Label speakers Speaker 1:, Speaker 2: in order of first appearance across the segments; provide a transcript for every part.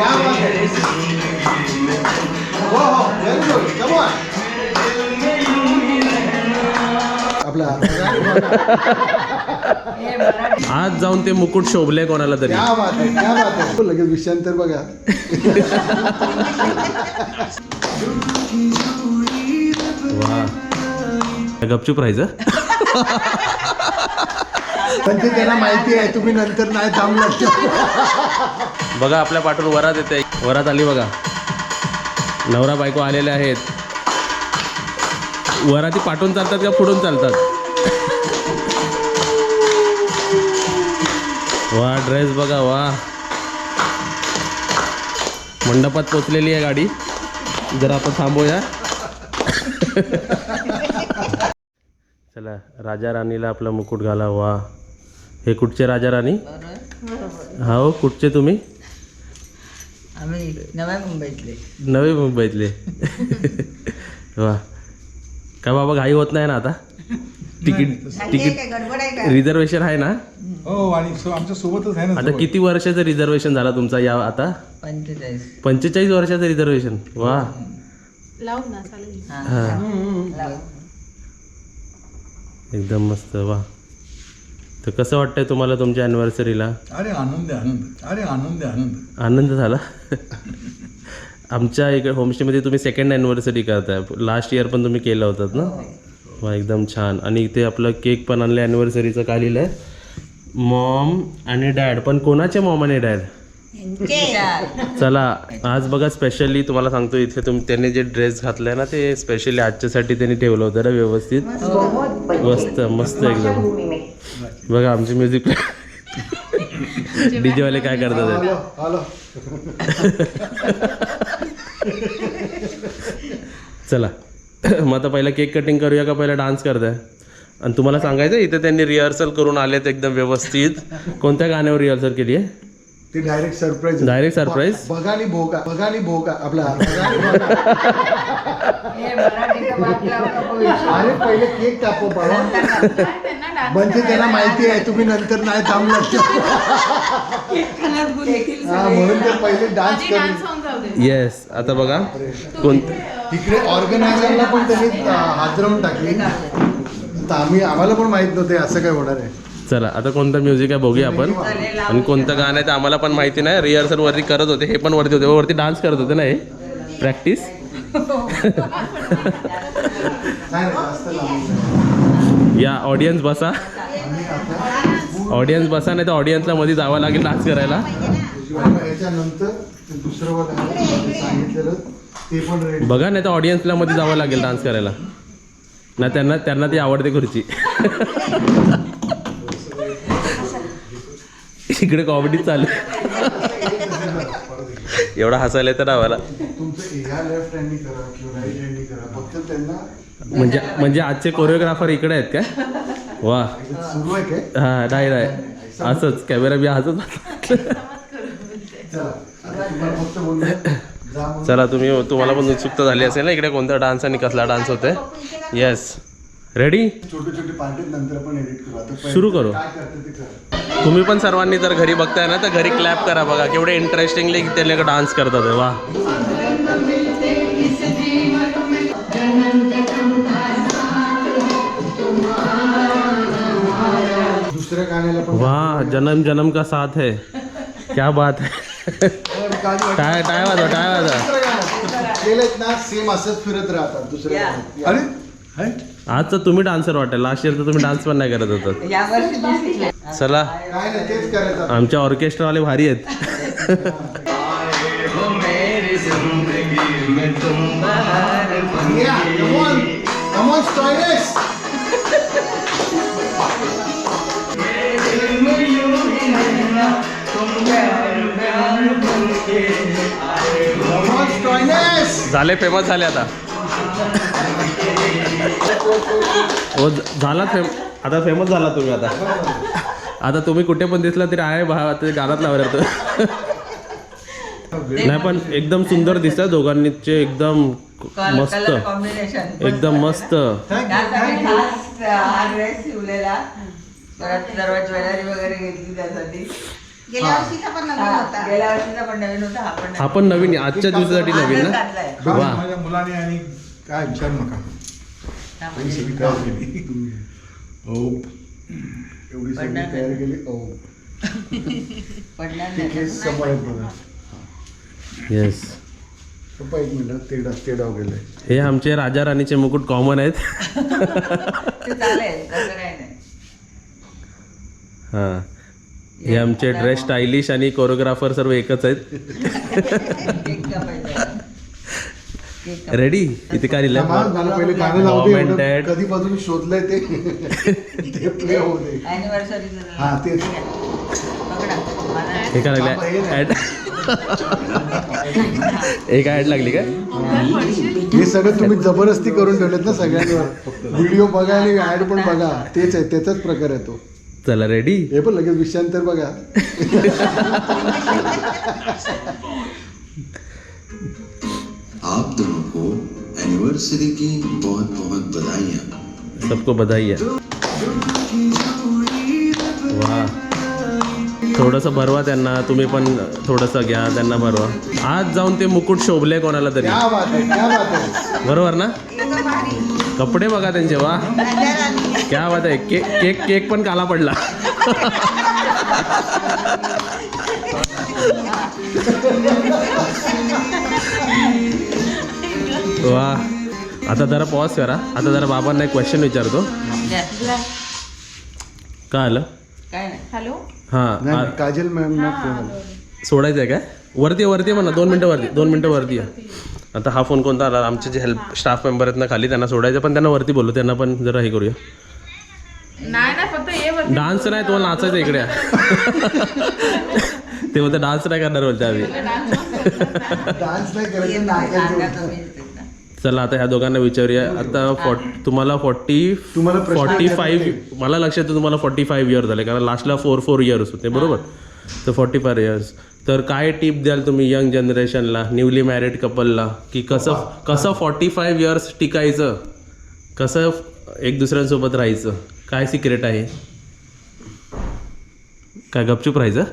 Speaker 1: आज जाऊन ते मुकुट शोभले कोणाला तरी.
Speaker 2: लगेच विषयांतर बघा.
Speaker 1: वा गपचूप राहायचं.
Speaker 2: पण ते त्यांना माहिती आहे तुम्ही नंतर नाही थांबलं.
Speaker 1: बघा आपल्या पाठून वरात येते. वरात आली बघा. नवरा बायको आलेले आहेत. वराती पाठून चालतात का पुढून चालतात? वा ड्रेस बघा. वा मंडपात पोचलेली आहे गाडी. जरा आता थांबूया. चला राजा राणीला आपला मुकुट घाला. वा हे कुठचे राजा राणी? हा हो कुठचे तुम्ही?
Speaker 3: आम्ही नव्या मुंबईतले.
Speaker 1: नवी मुंबईतले. वा काय बाबा घाई होत नाही ना आता? तिकीट रिझर्वेशन आहे ना?
Speaker 2: हो आणि आमच्या सोबतच आहे ना.
Speaker 1: आता किती वर्षाचं रिझर्वेशन झाला तुमचा या आता? 45 वर्षाचं रिझर्वेशन. वा हा एकदम मस्त. वा तर कसं वाटतंय तुम्हाला तुमच्या अॅनिव्हर्सरीला?
Speaker 2: अरे आनंद आनंद. अरे आनंद आनंद
Speaker 1: आनंद झाला. आमच्या इकडे होमस्टेमध्ये तुम्ही सेकंड ॲनिव्हर्सरी करताय. लास्ट इयर पण तुम्ही केलं होतात ना? वा एकदम छान. आणि इथे आपलं केक पण आणलं ॲनिव्हर्सरीचं. काय लिहिलं आहे? मॉम आणि डॅड. पण कोणाचे मॉम आणि डॅड? चला आज बघा स्पेशली तुम्हाला सांगतो इथे त्यांनी जे ड्रेस घातलाय ना ते स्पेशली आजच्यासाठी त्यांनी ठेवलं होतं ना व्यवस्थित. मस्त मस्त एकदम. बघा आमची म्युझिक डीजे वाले काय करतात. चला मग आता पहिला केक कटिंग करूया का पहिला डान्स करताय? आणि तुम्हाला सांगायचं इथे त्यांनी रिहर्सल करून आलेत एकदम व्यवस्थित. कोणत्या गाण्यावर रिहर्सल केली आहे?
Speaker 2: ते डायरेक्ट सरप्राईज.
Speaker 1: Direct surprise.
Speaker 2: बघानी भोगा. बघानी भोगा आपला. अरे पहिले केक कापो बाबा. म्हणजे त्यांना माहिती आहे तुम्ही नंतर नाही थांबलं. म्हणून ते पहिले डान्स करून.
Speaker 1: येस आता बघा
Speaker 2: तिकडे ऑर्गनायझरला पण त्यांनी हादरवून टाकली. तर आम्हाला पण माहित नव्हते असं काय होणार आहे.
Speaker 1: चला आता कोणतं म्युझिक आहे बघूया आपण. आणि कोणतं गाणं आहे ते आम्हाला पण माहिती नाही. रिहर्सल वरती करत होते. हे पण वरती होते. वरती डान्स करत होते ना. हे प्रॅक्टिस. या ऑडियन्स बसा. ऑडियन्स बसा नाही तर ऑडियन्सला मध्ये जावं लागेल डान्स करायला. बघा नाही तर ऑडियन्सला मध्ये जावं लागेल डान्स करायला. ना त्यांना ती आवडते खुर्ची. इकडे कॉमेडी चालू. एवढा हसायला येतं ना आम्हाला. म्हणजे आजचे कोरिओग्राफर इकडे आहेत काय? वा हा नाही असंच कॅमेरा बी हसत. चला तुम्हाला पण उत्सुकता झाली असेल ना इकडे कोणता डान्स आणि कसला डान्स होतोय. Yes ready.
Speaker 2: छोटे छोटे पार्टी नंतर पण एडिट करू.
Speaker 1: सुरू करू. तुम्ही पण सर्वांनी जर घरी बघताय ना तर घरी क्लॅप करा. बघा केवढे इंटरेस्टिंगली ते लोक डान्स करतात. वा
Speaker 2: दुसऱ्या गाण्याला पण.
Speaker 1: वाह जन्म जन्म का साथ है. क्या बात है. टाय वाजा.
Speaker 2: केलेत ना सेम असंच फिरत राहतात दुसऱ्या. अरे
Speaker 1: आज तर तुम्ही डान्सर वाटेल. लास्ट इयर तर तुम्ही डान्स पण नाही करत होतात. चला
Speaker 2: तेच करायचं.
Speaker 1: आमच्या ऑर्केस्ट्रावाले भारी आहेत. झाले फेमस झाले आता. हो झाला आता फेमस झाला तुम्ही. आता तुम्ही कुठे पण दिसला तरी आहे भावा ते गाण्यात लावलं. नाही पण एकदम सुंदर दिसतात दोघांनीचे. एकदम मस्त. एकदम मस्त.
Speaker 3: गेल्या वर्षीचा पण नवीन होता
Speaker 1: हा पण नवीन आहे, आजच्या दिवसासाठी नवीन ना.
Speaker 3: घातलाय.
Speaker 1: वा
Speaker 4: माझ्या मुलाने आणि काय विचार नका ही सगळी तयार केली हो
Speaker 2: एवढी सगळी तयारी केली.
Speaker 3: पडणार
Speaker 2: ते
Speaker 3: नाही.
Speaker 2: केस समोर आहेत बघा.
Speaker 1: येस.
Speaker 2: पप्पा एक मिनिट ते डाव गेले.
Speaker 1: हे आमचे राजा राणीचे मुकुट कॉमन आहेत.
Speaker 3: ते चालेल तसं काही नाही.
Speaker 1: हां हे आमचे ड्रेस स्टायलिश आणि कोरिओग्राफर सर्व एकच आहेत.
Speaker 3: केक कापायचा. केक कापायचा.
Speaker 1: रेडी इथे काय लिहिलंय?
Speaker 2: मला पहिले गाणं लावू दे.
Speaker 1: Mom and
Speaker 2: एवढं
Speaker 1: Dad.
Speaker 2: कधीपासून शोधलंय ते प्ले होऊ दे.
Speaker 3: Anniversary
Speaker 2: हा, तेच.
Speaker 3: पकडा. मला
Speaker 1: हे काय
Speaker 2: बाबा, हे
Speaker 1: लागलं
Speaker 2: नाही.
Speaker 1: ऍड? हे काय ऍड लागली काय?
Speaker 2: हे सगळं तुम्ही जबरदस्ती करून ठेवलेत ना सगळ्यांवर. व्हिडिओ बघा आणि ऍड पण बघा. तेच आहे, त्याचाच प्रकार आहे तो.
Speaker 1: चला रेडी.
Speaker 2: हे पण लगेच विषयांतर बघा.
Speaker 5: आप दोनों को एनिवर्सरी की बहुत बहुत बधाइयाँ।
Speaker 1: सबको बधाई है. वा थोडंसं भरवा त्यांना, तुम्ही पण थोडंसं घ्या त्यांना भरवा. आज जाऊन ते मुकुट शोभले कोणाला तरी.
Speaker 2: क्या बात आहे, क्या बात आहे.
Speaker 1: बरोबर ना? कपडे बघा त्यांचे. वा क्या बात आहे. केक केक पण काला पडला. वा आता जरा पॉज करा. आता जरा बाबांना एक क्वेश्चन विचारतो.
Speaker 3: द्या.
Speaker 1: काय आलं?
Speaker 3: काय नाही.
Speaker 2: नाही,
Speaker 1: हां
Speaker 2: काजल मॅम
Speaker 1: सोडायचं आहे काय? वरती वरती म्हणा. 2 मिनटं वरती, 2 मिनटं वरती आहे. आता हा फोन कोणता आला? आमचे जे हेल्प स्टाफ मेंबर आहेत ना खाली, त्यांना सोडायचं, पण त्यांना वरती बोलू. त्यांना पण जरा हे करूया.
Speaker 6: नाही फक्त ये
Speaker 1: डान्स नाही, तुम्हाला नाचायचं इकडे या. ते बोलते डान्स नाही करणार बोलते आम्ही.
Speaker 2: डान्स नाही करायचं,
Speaker 3: सांगा
Speaker 2: नाचायचं.
Speaker 3: तुम्ही तिथं.
Speaker 1: चला आता ह्या दोघांना विचारूया. आता तुम्हाला
Speaker 2: तुम्हाला प्रश्न
Speaker 1: 45 मला लक्षात येतं तुम्हाला 45 इयर्स झाले, कारण लास्टला 4 इयर्स होते बरोबर. तर 45 इयर्स. तर काय टिप द्याल तुम्ही यंग जनरेशनला, न्यूली मॅरिड कपलला, की कसं 45 इयर्स टिकायचं, कसं एक दुसऱ्यांसोबत राहायचं, काय सिक्रेट आहे? काय गपचूप राहायचं?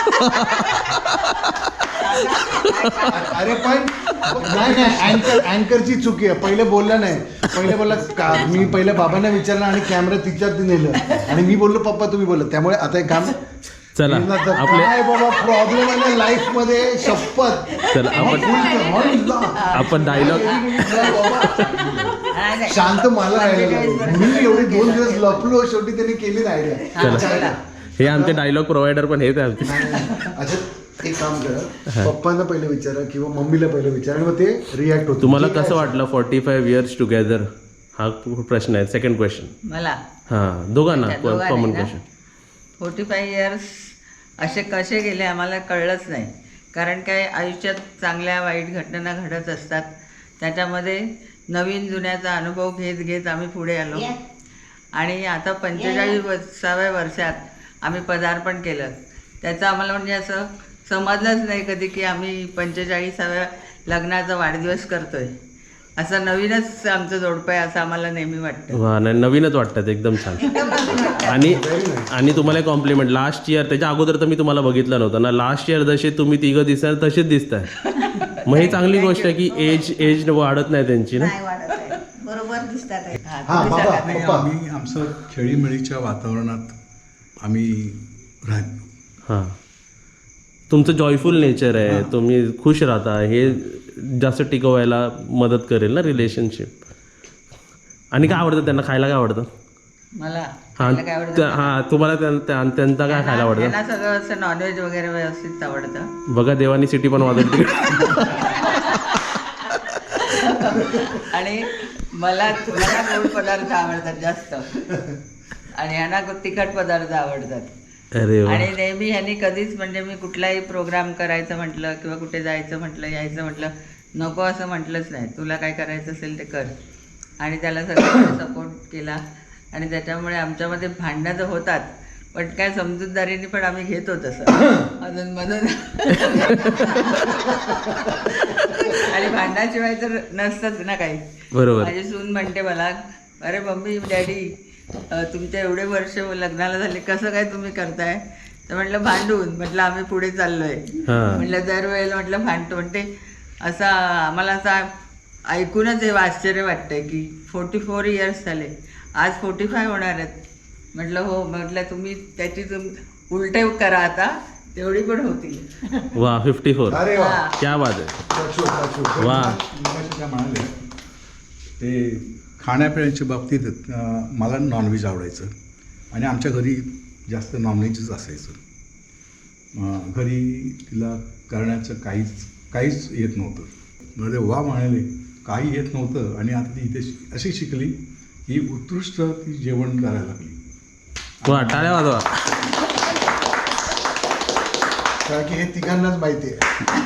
Speaker 2: अरे पण नाही अँकरची चुकी आहे. पहिले बोलला नाही. पहिले बोलला का मी पहिले बाबांना विचारलं आणि कॅमेरा तिच्यात नेलं आणि मी बोललो पप्पा तुम्ही बोलत. त्यामुळे आता एक काम
Speaker 1: चला आपले
Speaker 2: काय बाबा प्रॉब्लेम आहे लाईफ मध्ये. शपथ.
Speaker 1: चला आपण डायलॉग
Speaker 3: नाही, नाही.
Speaker 2: शांत मला राहायला लागलं. मी एवढे 2 दिवस लपलो, शेवटी त्यांनी केली आयडिया.
Speaker 1: चला हे आमचे डायलॉग प्रोव्हायडर पण हेच आहे आमचे.
Speaker 2: अच्छा एक काम करा, पप्पांना पहिले विचारा किंवा मम्मीला पहिले विचारा आणि मग ते रिॲक्ट होतं.
Speaker 1: तुम्हाला कसं वाटलं 45 इयर्स टुगेदर? हा प्रश्न आहे. Second question.
Speaker 3: मला
Speaker 1: हां दोघांना
Speaker 3: दोघांना
Speaker 1: कॉमन
Speaker 3: ना?
Speaker 1: क्वेश्चन.
Speaker 3: 45 इयर्स असे कसे गेले आम्हाला कळलंच नाही. कारण काय आयुष्यात चांगल्या वाईट घटना घडत असतात. त्याच्यामध्ये नवीन जुन्याचा अनुभव घेत घेत आम्ही पुढे आलो आणि आता 45व्या वर्षात आम्ही पदार्पण केलं. त्याचं आम्हाला म्हणजे असं समजलंच नाही कधी की आम्ही 45व्या लग्नाचा वाढदिवस करतोय. असं नवीनच आमचं जोडपं आहे असं आम्हाला नेहमी वाटतं.
Speaker 1: वा नाही नवीनच वाटतात एकदम छान. आणि तुम्हाला कॉम्प्लिमेंट लास्ट इयर, त्याच्या अगोदर तर मी तुम्हाला बघितलं नव्हतं ना. लास्ट इयर जसे तुम्ही तिघं दिसणार तसेच दिसताय. मग ही चांगली गोष्ट आहे की एज वाढत नाही त्यांची ना.
Speaker 3: बरोबर दिसतात.
Speaker 2: हा बाबा
Speaker 4: नाही,
Speaker 2: पप्पा
Speaker 4: आम्ही आमचं खेळीमेळीच्या वातावरणात आम्ही राहतो.
Speaker 1: हां तुमचं जॉयफुल नेचर आहे, तुम्ही खुश राहता, हे जास्त टिकवायला मदत करेल ना रिलेशनशिप. आणि काय आवडतं त्यांना खायला? काय आवडतं?
Speaker 3: मला
Speaker 1: हां
Speaker 3: खायला काय आवडतं?
Speaker 1: हां तुम्हाला त्यांचा काय खायला आवडतं?
Speaker 3: त्यांना सगळं असं नॉनव्हेज वगैरे व्यवस्थित आवडतं.
Speaker 1: बघा देवानी सिटी पण वाजवली.
Speaker 3: आणि मला गोड पदार्थ आवडतात जास्त आणि ह्यांना तिखट पदार्थ आवडतात.
Speaker 1: अरे वा.
Speaker 3: आणि नेहमी ह्यांनी कधीच म्हणजे मी कुठलाही प्रोग्राम करायचं म्हटलं किंवा कुठे जायचं म्हटलं यायचं म्हटलं नको असं म्हटलंच नाही. तुला काय करायचं असेल ते कर. आणि त्याला सगळ्यांनी सपोर्ट केला आणि त्याच्यामुळे आमच्यामध्ये भांडणं तर होतात पण काय समजूतदारीने पण आम्ही घेतो तसं अधूनमधून. आणि भांडणाशिवाय तर नसतंच ना काही.
Speaker 1: बरोबर.
Speaker 3: माझी सून म्हणते मला अरे मम्मी डॅडी तुमच्या एवढे वर्ष लग्नाला झाले कसं काय तुम्ही करताय? तर म्हटलं भांडून, म्हटलं आम्ही पुढे चाललोय.
Speaker 1: हा.
Speaker 3: म्हटलं दरवेळेला म्हटलं भांडतो. म्हणते असं आम्हाला असं ऐकूनच हे आश्चर्य वाटतंय की 44 इयर्स झाले, आज 45 होणार आहेत. म्हटलं हो. म्हटलं तुम्ही त्याची उलटे करा आता, तेवढी पण होतील.
Speaker 1: वा 54.
Speaker 2: अरे वा.
Speaker 3: हा.
Speaker 1: क्या बात आहे.
Speaker 2: टाचू, टाचू.
Speaker 1: वा.
Speaker 4: मगाशी त्या म्हणाले ते खाण्यापिण्याच्या बाबतीत मला नॉनव्हेज आवडायचं आणि आमच्या घरी जास्त नॉनव्हेजच असायचं. घरी तिला करण्याचं काहीच येत नव्हतं. म्हणजे वा म्हणाले काही येत नव्हतं आणि आता ती इथे अशी शिकली की उत्कृष्ट ती जेवण करायला लागली.
Speaker 1: वा टाळ्या वाजवा.
Speaker 2: कारण की हे तिघांनाच माहिती आहे.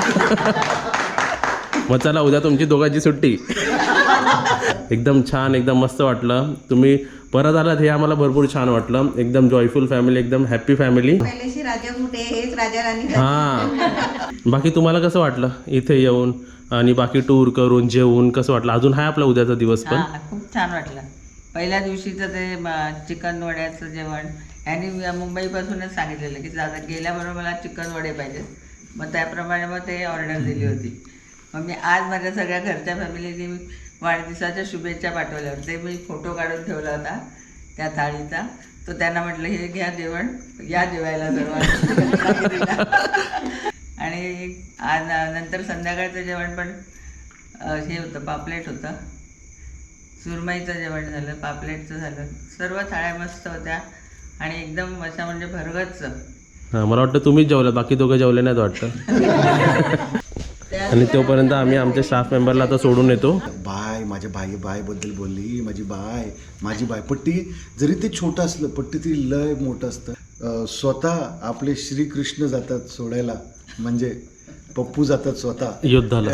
Speaker 1: मग चला उद्या तुमची दोघांची सुट्टी. एकदम छान, एकदम मस्त वाटलं. तुम्ही परत आलात हे आम्हाला भरपूर छान वाटलं. एकदम जॉयफुल फॅमिली, एकदम हॅप्पी फॅमिली.
Speaker 7: पहिल्याशी राजा कुठे हेच राजा राणी
Speaker 1: हां. बाकी तुम्हाला कसं वाटलं इथे येऊन आणि बाकी टूर करून जेवून कसं वाटलं? अजून आहे आपला उद्याचा दिवस पण.
Speaker 3: हां, खूप छान वाटलं. पहिल्या दिवशीचं ते चिकन वड्याचं जेवण यांनी मुंबईपासूनच सांगितलेलं की गेल्याबरोबर मला चिकन वडे पाहिजेत. मग त्याप्रमाणे मग ते ऑर्डर दिली होती. मग मी आज माझ्या सगळ्या घरच्या फॅमिलीने वाढदिवसाच्या शुभेच्छा पाठवल्या होत्या. ते मी फोटो काढून ठेवला होता त्या थाळीचा. तो त्यांना म्हटलं हे घ्या जेवण, या जेवायला सर्वांना. आणि आज नंतर संध्याकाळचं जेवण पण हे होतं, पापलेट होतं. सुरमईचं जेवण झालं, पापलेटचं झालं. सर्व थाळ्या मस्त होत्या आणि एकदम अशा म्हणजे भरगच्च.
Speaker 1: हां, मला वाटतं तुम्हीच जेवलं, बाकी दोघं जेवले नाहीत वाटतं. आणि तोपर्यंत आम्ही आमच्या स्टाफ मेंबरला आता सोडून येतो.
Speaker 2: बाय, माझ्या बायबद्दल बोलली. माझी बाय पट्टी जरी ते छोटं असलं, पट्टी ती लय मोठं असतं. स्वतः आपले श्रीकृष्ण जातात सोडायला, म्हणजे पप्पू जातात स्वतः
Speaker 1: युद्धाला.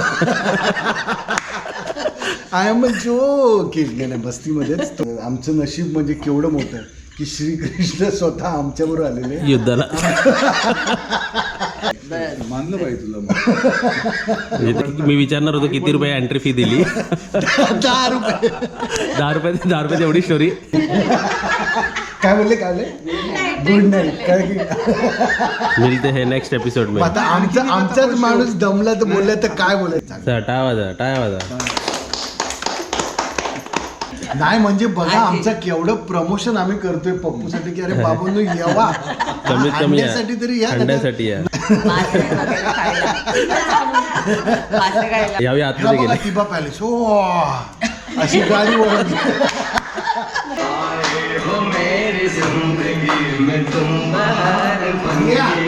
Speaker 2: I am a joke. नाही बस्तीमध्येच आमचं नशीब म्हणजे केवढं मोठं की श्रीकृष्ण स्वतः आमच्याबरोबर आलेले.
Speaker 1: युद्धाला.
Speaker 4: मानलं पाहिजे तुला मग.
Speaker 1: म्हणजे मी विचारणार होतो किती रुपये एंट्री फी दिली.
Speaker 2: 10 रुपये.
Speaker 1: 10 रुपये एवढी स्टोरी.
Speaker 2: काय बोलले गुड नाईट. काय की
Speaker 1: मिळते हे नेक्स्ट एपिसोड मध्ये.
Speaker 2: आता आमचाच माणूस दमला तर बोलला तर काय बोलायचं.
Speaker 1: टाळ्या वाजा.
Speaker 2: नाही म्हणजे बघा आमचं केवढं प्रमोशन आम्ही करतोय पप्पूसाठी की अरे बाबूंनो येवा,
Speaker 1: कमीत कमी या.
Speaker 2: अंड्यासाठी तरी या.
Speaker 1: अंड्यासाठी या.
Speaker 3: मासे वगैरे खायला. मासे खायला.
Speaker 1: यावेळी
Speaker 2: ह्याला
Speaker 1: आतमध्ये
Speaker 2: बघा
Speaker 1: गेले.
Speaker 2: तिबा पॅलेस. हो अशी गाडी ओळखली.
Speaker 3: मेरी जिंदगी में तुम बाहर